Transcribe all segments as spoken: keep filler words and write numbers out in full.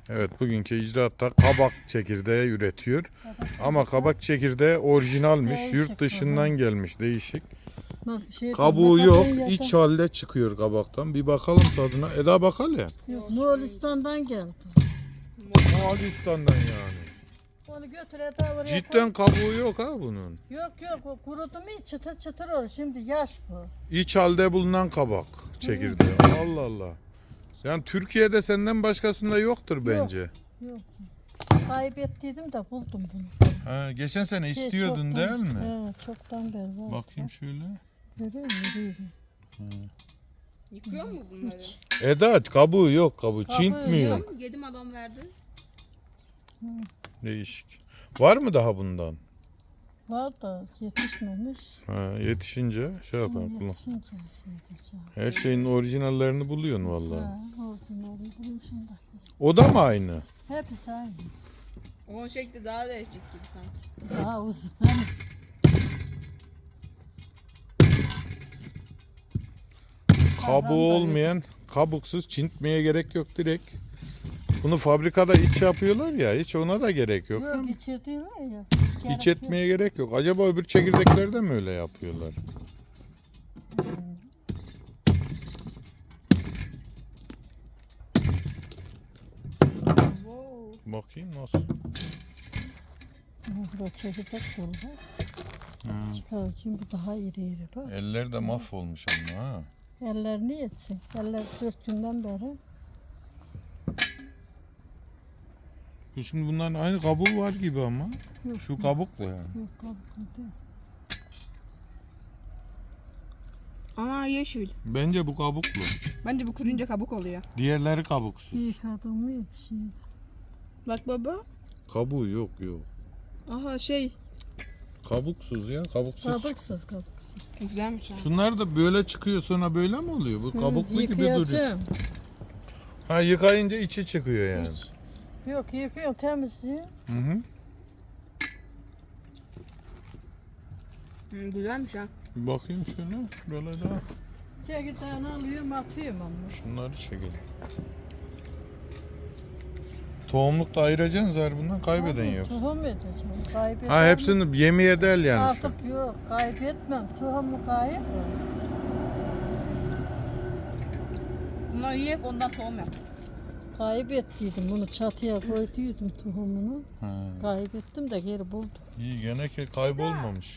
Evet, bugünkü icraatta kabak çekirdeği üretiyor. Ama kabak çekirdeği orijinalmiş. Değişik Yurt dışından baba. gelmiş, değişik. Bak, şey, Kabuğu ne yok, kadar yakın- iç halde çıkıyor kabaktan. Bir bakalım tadına. Eda bakalım. Yok, Moğolistan'dan geldi. Moğolistan'dan yani. Onu götür ete oraya Cidden koy. kabuğu yok ha bunun. Yok yok, o kurudu mu çıtır çıtır olur. Şimdi yaş bu. İç halde bulunan kabak çekirdeği. Allah Allah. Yani Türkiye'de senden başkasında yoktur bence. Yok. Kaybettiydim de buldum bunu. Ha, geçen sene Şey, istiyordun çoktan- değil mi? He, çoktan beri var. Bakayım şöyle. Görüyor musun? Yürü, yürü. Yıkıyor mu bunları? Eda kabuğu yok kabuğu. Kabuğu Çint mi yok? yok. Yedim adam verdi. Değişik. Var mı daha bundan? Var da yetişmemiş. Ha, yetişince şey yapalım. kullan. Yetişince şey diyeceğim. Her şeyin orijinallerini buluyorsun vallahi. Ha, orijinali bulmuşum da. O da mı aynı? Hepsi aynı. Onun şekli daha değişik gibi sanki. Daha uzun. Kabuğu olmayan, kabuksuz çintmeye gerek yok direkt. Bunu fabrikada iç yapıyorlar ya, hiç ona da gerek yok. Yok, içirtiyorlar ya. İç Gerek etmeye gerek yok. Acaba öbür çekirdeklerde mi öyle yapıyorlar? Wow. Bakayım nasıl? yok. Burada çekirdek dolu. Çıkaracağım, bu daha iri iri bak. Eller de mahvolmuş ama ha. Ellerini yetsin. Eller dört günden beri. Bu Şimdi bunların aynı kabuğu var gibi ama. Yok. Şu kabukla yani. Yok kabuklu değil. Ana yeşil. Bence bu kabuklu. Bence bu kurunca kabuk oluyor. Diğerleri kabuksuz. Yıkadım mı yetişiyor. Bak baba. Kabuğu yok yok. Aha şey. Kabuksuz ya kabuksuz. Kabuksuz kabuksuz. Güzelmiş ha. Şunlar da böyle çıkıyor sonra böyle mi oluyor? Bu kabuklu gibi duruyor. Yıkayacağım. Ha yıkayınca içi çıkıyor yani. Yok, yıkıyorum, temizliyorum. Hı hı. Hı, güzelmiş ha. Bir bakayım şöyle. Şuralara da. Çekirdeğini alıyorum, atıyorum ama. Şunları çekelim. Tohumluk da ayıracaksın zaten bundan kaybeden yok. Tohum edeceğim. Kaybetmem. Ha hepsini yemeye del yani şu. Artık yok, kaybetmem. Tohumu kayıp. Bunları yiyip ondan tohum yap. Kaybettiydim, bunu çatıya koyduydum tohumunu. Ha. Kaybettim de geri buldum. İyi gene ki kaybolmamış.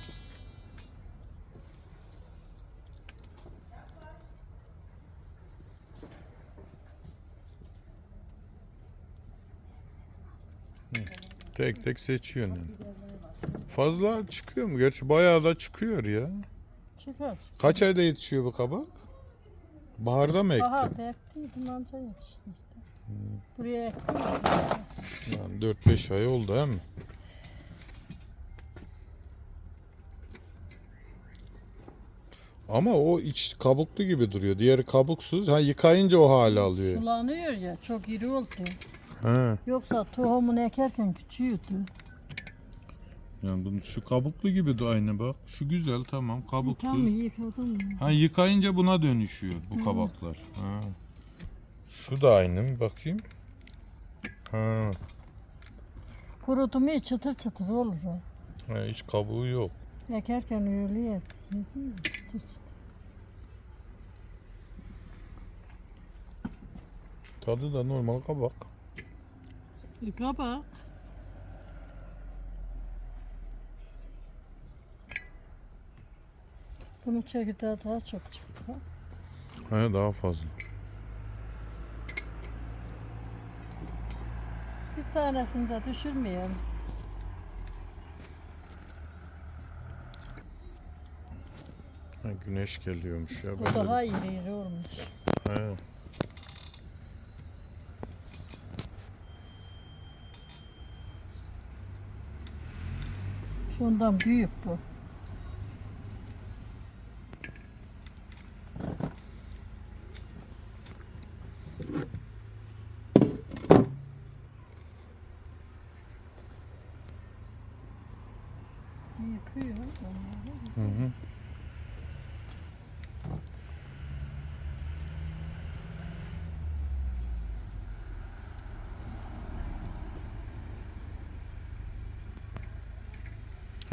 Hı, tek tek seçiyorsun yani. Fazla çıkıyor mu? Gerçi bayağı da çıkıyor ya. Çıkar. Kaç ayda yetişiyor bu kabak? Baharda mı ektin? Bahar ektiydim, anca yetişti işte. Buraya ektim. Yani dört beş ay oldu değil mi? Ama o iç kabuklu gibi duruyor. Diğeri kabuksuz. Ha yıkayınca o hale alıyor. Sulanıyor ya, çok iri oldu. Ha. Yoksa tohumunu ekerken küçüğüydü. Yani bunun şu kabuklu gibi de aynı bak. Şu güzel tamam Tam kabuksuz. yıkadım. Ha yıkayınca buna dönüşüyor bu kabaklar. Ha. Şu da aynı mı bakayım? Ha. Kurudu mu çıtır çıtır olur o. Ha, hiç kabuğu yok. Ekerken öyle yedi. Yedi, çıtır çıtır. Tadı da normal kabak. Yıka bak. Bunun çekirdeği daha çok çıktı. bak. Ha, daha fazla. Bir tanesini de düşürmeyelim. Ha, güneş geliyormuş ya. Bu Ben de- daha iri iri olmuş. Ha. Şundan büyük bu. Yıkıyor onları. Hı hı.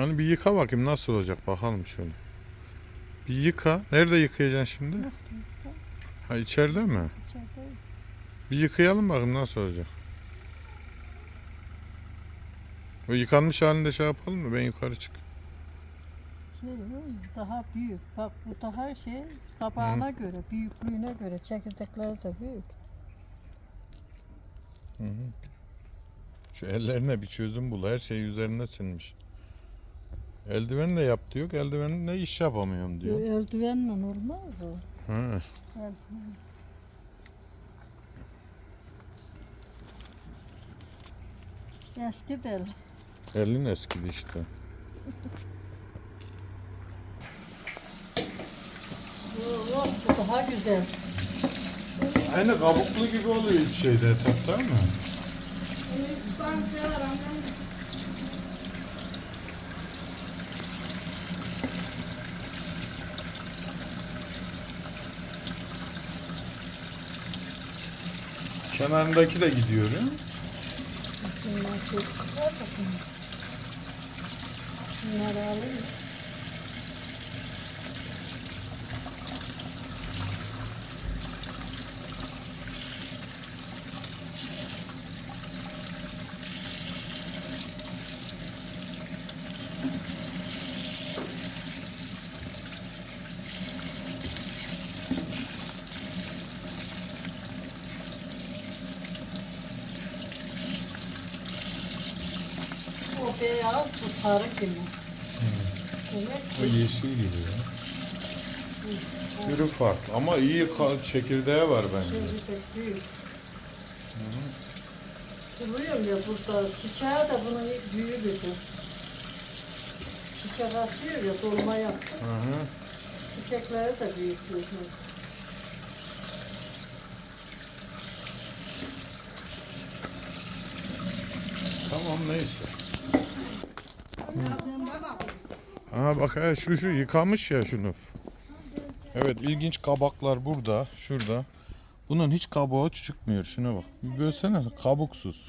Hani bir yıka bakayım nasıl olacak bakalım şöyle. Bir yıka. Nerede yıkayacaksın şimdi? Ha içeride mi? İçeride Bir yıkayalım bakayım nasıl olacak. O yıkanmış halinde şey yapalım mı? Ben yukarı çık. şey daha büyük. Bak bu daha şey kabağına göre, büyüklüğüne göre çekirdekleri de büyük. Şu ellerine bir çözüm bul. Her şey üzerine sinmiş. Eldiven de yap diyor. Eldivenle iş yapamıyorum diyor. Eldivenle olmaz o. Ha. Eldiven. Eski del. Elin eskidi işte. Yok, bu daha güzel. Aynı kabuklu gibi oluyor bir şeyde etapta mı? Kenarındaki de gidiyor. He? Bunlar çok güzel bakın. Bunları alayım. O beyaz, bu sarı gibi. Demek O yeşil gibi ya. Türü farklı ama iyi ka- çekirdeği var bence. şimdi de büyük. Duruyorum ya burada. Çiçeği de bunun büyüğü dedi. Çiçek atıyor ya, dolma yaptı. Hı hı. Çiçekleri de büyük büyük. Tamam neyse. Aha bak he, şu şu yıkamış ya şunu. Evet ilginç kabaklar burada, şurada. Bunun hiç kabuğu çıkmıyor. Şuna bak. Bir bölsene kabuksuz.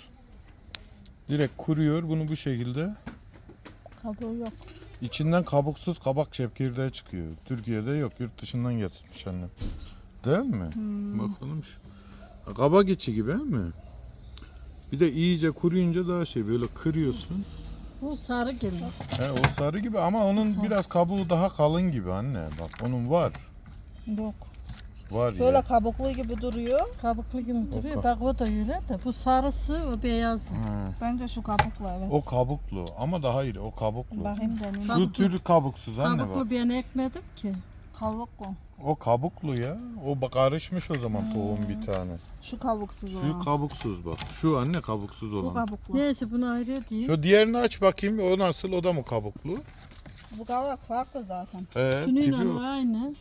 Direkt kuruyor bunu bu şekilde. Kabuğu yok. İçinden kabuksuz kabak çekirdeği çıkıyor. Türkiye'de yok. Yurt dışından getirmiş annem. Değil mi? Bakalım şu. Kabak içi gibi değil mi? Bir de iyice kuruyunca daha şey böyle kırıyorsun. Bu sarı gibi. He, o sarı gibi ama onun biraz kabuğu daha kalın gibi anne. Bak onun var. Yok. Var Böyle ya. kabuklu gibi duruyor. Kabuklu gibi duruyor. ka- Bak o da öyle de. Bu sarısı, o beyazı. Ha, Bence şu kabuklu evet. o kabuklu ama daha iyi o kabuklu. Bakayım deneyim. Şu tür kabuksuz anne Kabuklu bak. ben ekmedim ki. Kabuklu. O kabuklu ya. O bak karışmış o zaman tohum bir tane. Şu kabuksuz Şu olan. kabuksuz bak. Şu anne kabuksuz Bu olan. kabuklu. Neyse bunu ayrı edeyim. Şu diğerini aç bakayım. O nasıl? O da mı kabuklu? Bu kabuk farklı zaten. He, tipi Şununla o. aynı.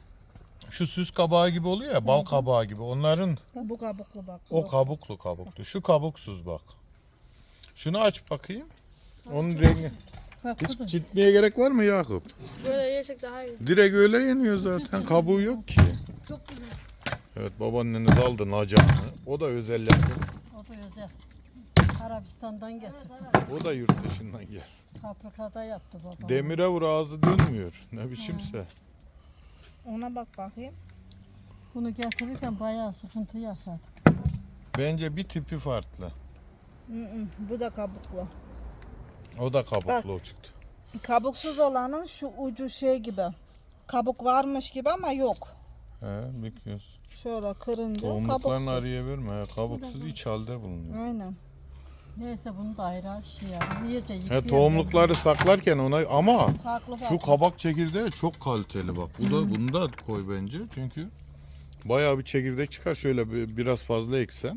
Şu süs kabağı gibi oluyor ya, bal kabağı gibi. Onların Bu kabuklu bak. o kabuklu kabuklu. Şu kabuksuz bak. Şunu aç bakayım. Onun rengi. Bak bu da. Hiç çitmeye gerek var mı Yakup? Böyle yesek daha iyi. Direkt öyle yeniyor zaten. Kabuğu yok ki. Çok güzel. Evet babaanneniz aldı nacanı. O da özel yapım. O da özel. Arabistan'dan getirdim. O da yurt dışından gel. Fabrikada yaptı babam. Demire vur ağzı dönmüyor. Ne biçimse. Ona bak bakayım. Bunu getirirken bayağı sıkıntı yaşadık. Bence bir tipi farklı. Hı hı, bu da kabuklu. O da kabuklu çıktı. Kabuksuz olanın şu ucu şey gibi. Kabuk varmış gibi ama yok. He, bekliyoruz. Şöyle kırınca Tohumluklarını kabuksuz. araya verme. He, kabuksuz iç halde bulunuyor. Aynen. Neyse bunu da ayrı şey ya. İyice He, yıkayalım. tohumlukları saklarken ona ama Farklı şu farklı. kabak çekirdeği çok kaliteli bak. Bu da bunu da koy bence. Çünkü bayağı bir çekirdek çıkar. Şöyle bir, biraz fazla eksen.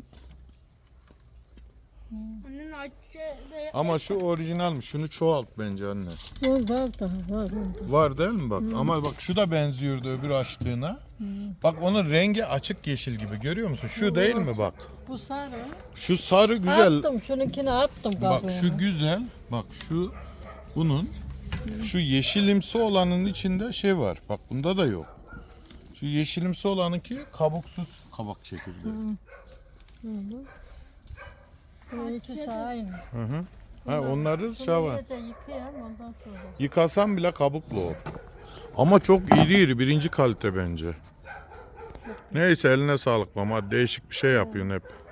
Annenin açıcı de Ama şu orijinalmiş. Şunu çoğalt bence anne. Var var daha var. onda. Var değil mi bak? Ama bak şu da benziyordu öbür açtığına. Bak onun rengi açık yeşil gibi. Görüyor musun? Şu değil mi bak? Bu sarı. Şu sarı güzel. Attım şununkini attım Bak kabuğuna. şu güzel. Bak şu bunun şu yeşilimsi olanın içinde şey var. Bak bunda da yok. Şu yeşilimsi olanınki kabuksuz kabak çekirdeği. Bunun ikisi aynı. Hı hı. Ha, onları şey Bunu var. iyice yıkayalım ondan sonra. Yıkasam bile kabuklu o. Ama çok iri iri birinci kalite bence. Neyse eline sağlık mama. Değişik bir şey yapıyorsun hep.